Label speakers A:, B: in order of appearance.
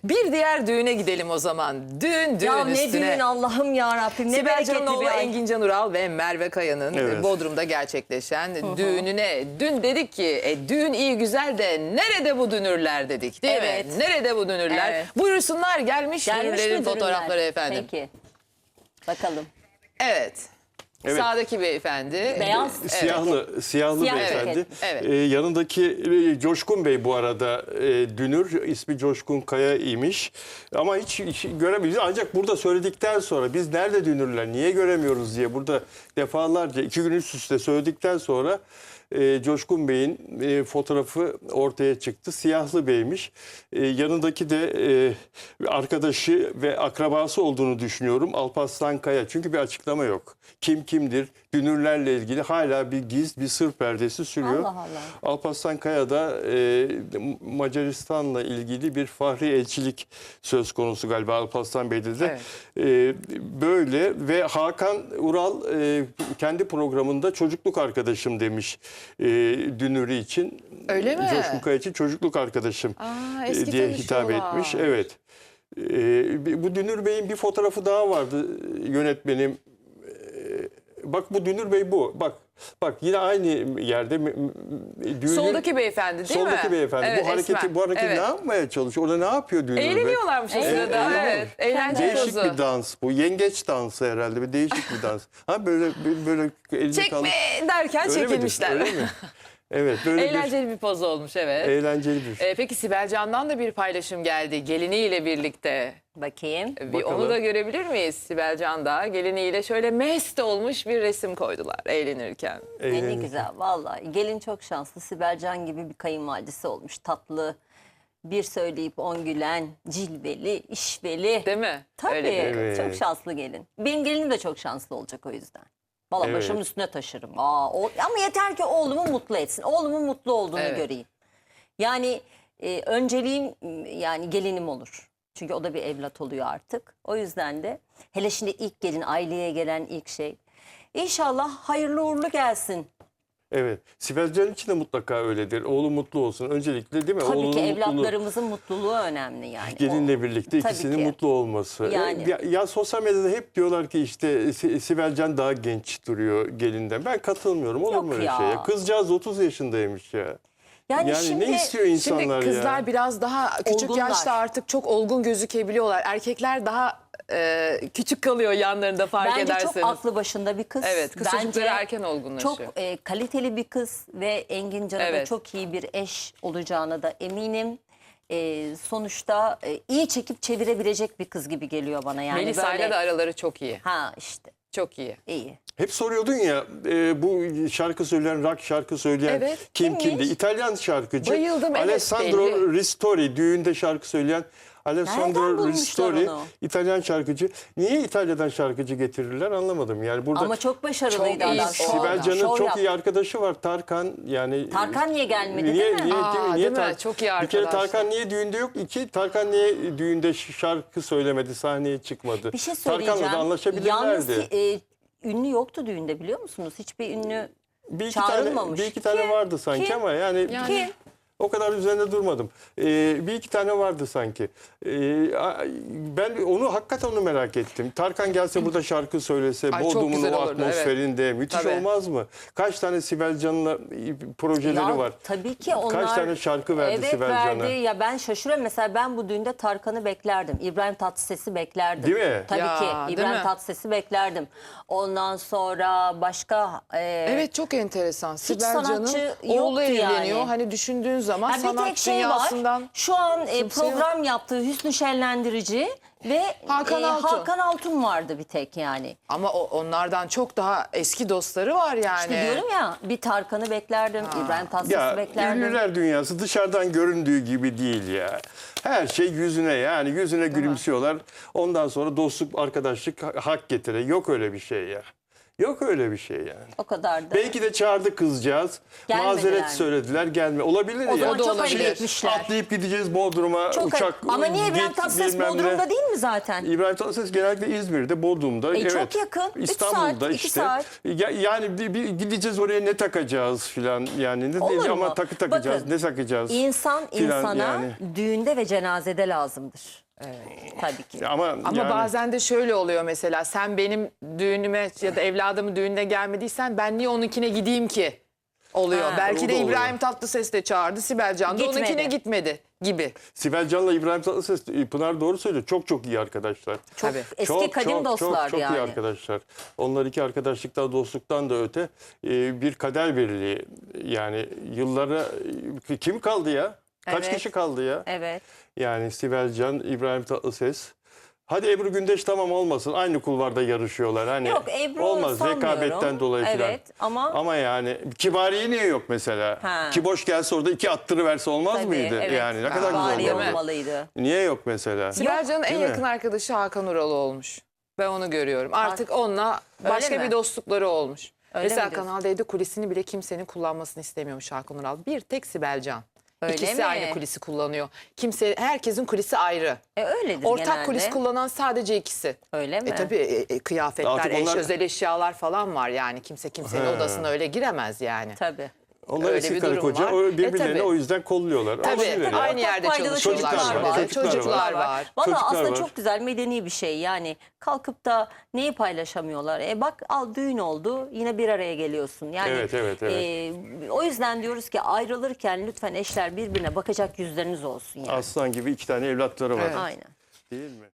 A: Bir diğer düğüne gidelim o zaman. Düğün
B: Ya ne
A: üstüne.
B: düğün Allah'ım yarabbim, ne
A: Sibel
B: bereketli
A: Can'ın oğlu
B: bir ay.
A: Engin Can Ural ve Merve Kaya'nın
C: Evet.
A: Bodrum'da gerçekleşen düğününe dün dedik ki düğün iyi güzel de nerede bu dünürler dedik değil
B: Evet.
A: mi? Nerede bu dünürler?
B: Evet.
A: Buyursunlar gelmiş,
B: Gelmiş mi
A: dünürlerin
B: dürümler?
A: fotoğrafları efendim.
B: Peki. Bakalım.
A: Evet.
C: Evet.
A: Sağdaki beyefendi.
B: Beyaz.
C: Siyahlı
B: Siyah
C: beyefendi.
B: ceket.
A: Evet.
C: Yanındaki Coşkun Bey bu arada dünür. İsmi Coşkun Kaya imiş. Ama hiç göremeyiz. Ancak burada söyledikten sonra biz nerede dünürler, niye göremiyoruz diye burada defalarca 2 gün üst üste söyledikten sonra Coşkun Bey'in fotoğrafı ortaya çıktı. Siyahlı Bey'miş. Yanındaki de arkadaşı ve akrabası olduğunu düşünüyorum. Alparslan Kaya. Çünkü bir açıklama yok. Kim kimdir? Dünürlerle ilgili hala bir bir sır perdesi sürüyor.
B: Allah Allah.
C: Alparslan Kaya da Macaristan'la ilgili bir fahri elçilik söz konusu galiba Alparslan Bey'de de. Böyle ve Hakan Ural kendi programında çocukluk arkadaşım demiş dünürü için.
A: Öyle mi?
C: Coşkun Kaya için çocukluk arkadaşım
A: eski
C: diye hitap
A: tanışıyorlar.
C: etmiş. Evet. Bu Dünür Bey'in bir fotoğrafı daha vardı yönetmenim. Bak bu Dünür Bey bu. Bak yine aynı yerde düğünün,
A: Soldaki beyefendi değil mi?
C: soldaki beyefendi.
A: Evet,
C: bu hareketi
A: esmer.
C: ne yapmaya çalışıyor? Orada ne yapıyor Dünür Bey?
A: Eğleniyorlarmış o sırada.
C: eğleniyor.
A: Evet. Eğlence
C: Değişik
A: pozu.
C: bir dans bu. Yengeç dansı herhalde. Bir değişik bir dans. Ha böyle elini
A: Çekme derken
C: Öyle midir?
A: çekilmişler.
C: Öyle mi? Evet böyle
A: Eğlenceli bir poz olmuş evet.
C: eğlenceli bir.
A: Peki Sibel Can'dan da bir paylaşım geldi geliniyle birlikte.
B: Bakayım.
A: Bir
C: Bakalım.
A: onu da görebilir miyiz? Sibel Can da geliniyle şöyle mest olmuş bir resim koydular eğlenirken.
B: Ne
C: Eğlenceli.
B: güzel vallahi. Gelin çok şanslı. Sibel Can gibi bir kayınvalidesi olmuş. Tatlı, bir söyleyip 10 gülen, cilveli, işveli.
A: Değil mi?
B: Tabii.
A: Öyle bir-
C: Evet.
B: Çok şanslı gelin. Benim gelinim de çok şanslı olacak o yüzden. Valla
C: Evet.
B: başımın üstüne taşırım. Ama yeter ki oğlumu mutlu etsin. Oğlumun mutlu olduğunu
A: Evet.
B: göreyim. Yani önceliğim yani gelinim olur. Çünkü o da bir evlat oluyor artık. O yüzden de hele şimdi ilk gelin, aileye gelen ilk şey. İnşallah hayırlı uğurlu gelsin.
C: Evet. Sibel Can için de mutlaka öyledir. Oğlu mutlu olsun. Öncelikle değil mi?
B: Tabii
C: Oğlunun
B: ki
C: mutluluğu.
B: evlatlarımızın mutluluğu önemli yani.
C: Gelinle birlikte
B: Tabii
C: ikisinin
B: ki.
C: mutlu olması.
B: Yani.
C: Ya sosyal medyada hep diyorlar ki işte Sibel Can daha genç duruyor gelinden. Ben katılmıyorum. Olur
B: Yok
C: mu öyle
B: ya.
C: şey ya? Kızcağız 30 yaşındaymış ya.
B: Yani
C: Yani
B: şimdi,
C: ne istiyor insanlar
A: Şimdi kızlar
C: ya?
A: biraz daha küçük
B: Olgunlar.
A: yaşta artık çok olgun gözükebiliyorlar. Erkekler daha küçük kalıyor yanlarında fark
B: bence
A: ederseniz.
B: çok aklı başında bir kız.
A: Evet, kız çocukları erken olgunlaşıyor.
B: Çok kaliteli bir kız ve Engin Can'a da
A: Evet.
B: çok iyi bir eş olacağına da eminim. Sonuçta iyi çekip çevirebilecek bir kız gibi geliyor bana yani.
A: Melisa'yla
B: böyle.
A: da araları çok iyi.
B: Ha işte
A: Çok iyi.
B: iyi.
C: Hep soruyordun ya bu şarkı söyleyen, rock şarkı söyleyen
A: Evet,
C: kimdi?
B: kimmiş?
C: İtalyan şarkıcı.
A: Bayıldım, evet,
C: Alessandro
A: belli.
C: Ristori düğünde şarkı söyleyen
B: Nereden
C: Alessandro
B: bulmuşlar
C: Ristori
B: onu?
C: İtalyan şarkıcı. Niye İtalya'dan şarkıcı getirirler anlamadım. Yani burada
B: Ama çok başarılıydı
A: Çok iyi.
B: adam.
C: Sibel Can'ın
B: Şov
C: çok
B: yaptı.
C: iyi arkadaşı var Tarkan yani.
B: Tarkan niye gelmedi
C: Niye,
B: değil mi?
C: niye,
A: Aa,
C: niye
A: değil mi? Çok iyi
C: Bir kere
A: arkadaşlar.
C: Tarkan niye düğünde yok? İki, Tarkan niye düğünde şarkı söylemedi, sahneye çıkmadı?
B: Bir şey söyleyeceğim.
C: Tarkan'la da anlaşabilirlerdi.
B: Yalnız ünlü yoktu düğünde biliyor musunuz? Hiçbir ünlü
C: bir iki
B: çağrılmamış.
C: bir iki tane
B: Kim?
C: vardı sanki
B: Kim?
C: ama yani
B: Kim?
C: o kadar üzerinde durmadım. Bir iki tane vardı sanki. Ben hakikaten onu merak ettim. Tarkan gelse burada şarkı söylese,
A: Ay, çok
C: Bodrum'un
A: güzel
C: o
A: olurdu,
C: atmosferinde müthiş
A: Tabii.
C: olmaz mı? Kaç tane Sibel Can'la projeleri
B: Ya,
C: var.
B: tabii ki onlar.
C: Kaç tane şarkı verdi
B: evet,
C: Sibel
B: verdi.
C: Can'a?
B: Ya ben şaşırıyorum. Mesela ben bu düğünde Tarkan'ı beklerdim. İbrahim Tatlıses'i beklerdim.
C: Değil mi?
B: Tabii
A: Ya,
B: ki.
A: değil
B: İbrahim
A: mi?
B: Tatlıses'i beklerdim. Ondan sonra başka...
A: Evet çok enteresan. Sibel
B: sanatçı
A: Can'ın oğlu
B: yoktu
A: evleniyor.
B: yani.
A: Hani düşündüğün zaman
B: Ha, bir
A: sanat
B: tek şey
A: dünyasından...
B: var. Şu an
A: kimse
B: program yaptığı Hüsnü Şenlendirici ve
A: Hakan Altun.
B: Hakan Altun vardı bir tek yani.
A: Ama onlardan çok daha eski dostları var yani.
B: İşte diyorum ya bir Tarkan'ı beklerdim, İbrahim Tatlıses'i
C: Ya
B: beklerdim.
C: ünlüler dünyası dışarıdan göründüğü gibi değil ya. Her şey yüzüne yani yüzüne gülümsüyorlar. Ondan sonra dostluk, arkadaşlık hak getire. Yok öyle bir şey ya. Yok öyle bir şey yani.
B: O kadar da.
C: Belki de çağırdı kızcağız.
B: Gelmediler
C: Mazeret
B: mi?
C: söylediler. Gelme. Olabilir
B: O
C: ya.
B: zaman çok
A: olabilir.
B: acele etmişler.
C: Atlayıp gideceğiz Bodrum'a.
B: Çok
C: uçak.
B: Ama niye İbrahim
C: git,
B: Tatlıses
C: bilmem ne.
B: Bodrum'da değil mi zaten?
C: İbrahim Tatlıses genellikle İzmir'de, Bodrum'da. Evet.
B: Çok yakın. 3
C: İstanbul'da
B: saat, 2
C: işte.
B: saat.
C: Yani bir gideceğiz oraya, ne takacağız filan. Yani
B: Olur
C: ama
B: mu?
C: takı takacağız.
B: Bakın,
C: ne takacağız?
B: İnsan
C: filan
B: insana
C: yani.
B: düğünde ve cenazede lazımdır. Tabii ki.
C: Ama yani,
A: bazen de şöyle oluyor mesela, sen benim düğünüme ya da evladımın düğününe gelmediysen ben niye onunkine gideyim ki oluyor.
B: Ha.
A: Belki
C: O
A: de
C: da oluyor.
A: İbrahim Tatlıses de çağırdı, Sibel Can da
B: Gitmedi.
A: onunkine gitmedi gibi.
C: Sibel Can'la İbrahim Tatlıses, Pınar doğru söylüyor. Çok çok iyi arkadaşlar.
B: Çok
A: Tabii.
B: eski kadim dostlar
C: çok
B: yani.
C: iyi arkadaşlar. Onlar iki arkadaşlıktan, dostluktan da öte bir kader birliği. Yani yıllara kim kaldı ya? Kaç
B: Evet.
C: kişi kaldı ya?
B: Evet.
C: Yani Sibel Can, İbrahim Tatlıses. Hadi Ebru Gündeş tamam olmasın. Aynı kulvarda yarışıyorlar. Hani
B: Yok, Ebru
C: olmaz
B: sanmıyorum.
C: rekabetten dolayı falan.
B: Evet, ama-
C: Ama yani Kibariye niye yok mesela?
B: Ha.
C: Ki boş gelse orada iki attırıverse olmaz
B: Tabii,
C: mıydı?
B: evet.
C: Yani ne kadar güzel
B: Bariye
C: olurdu.
B: olmalıydı.
C: Niye yok mesela?
A: Sibel Can'ın en
C: değil mi?
A: yakın arkadaşı Hakan Ural olmuş. Ben onu görüyorum. Artık onunla başka
B: mi?
A: bir dostlukları olmuş.
B: Öyle
A: Mesela
B: mi diyorsun?
A: Kanal D'de kulisini bile kimsenin kullanmasını istemiyormuş Hakan Ural. Bir tek Sibel Can.
B: Öyle
A: İkisi
B: mi?
A: aynı kulisi kullanıyor. Herkesin kulisi ayrı.
B: Öyledir
A: Ortak
B: genelde.
A: kulis kullanan sadece ikisi.
B: Öyle mi?
A: Tabii kıyafetler,
C: Artık onlar-
A: özel eşyalar falan var yani. Kimse kimsenin odasına öyle giremez yani.
B: Tabii.
C: Onlar
A: Öyle
C: eski
A: bir
C: karı
A: durum
C: koca
A: var.
C: birbirlerini
A: tabii.
C: o yüzden kolluyorlar.
A: Tabii
C: Olabilir ya.
A: aynı yerde
B: Faydalı
A: çalışıyorlar.
C: çocuklar var,
A: Çocuklar var.
B: Valla
C: Çocuklar
B: aslında
C: var.
B: çok güzel, medeni bir şey. Yani kalkıp da neyi paylaşamıyorlar? Bak al, düğün oldu, yine bir araya geliyorsun. Yani
C: Evet.
B: o yüzden diyoruz ki ayrılırken lütfen eşler birbirine bakacak yüzleriniz olsun yani.
C: Aslan gibi iki tane evlatları var.
A: Evet.
B: Aynen.
C: Değil mi?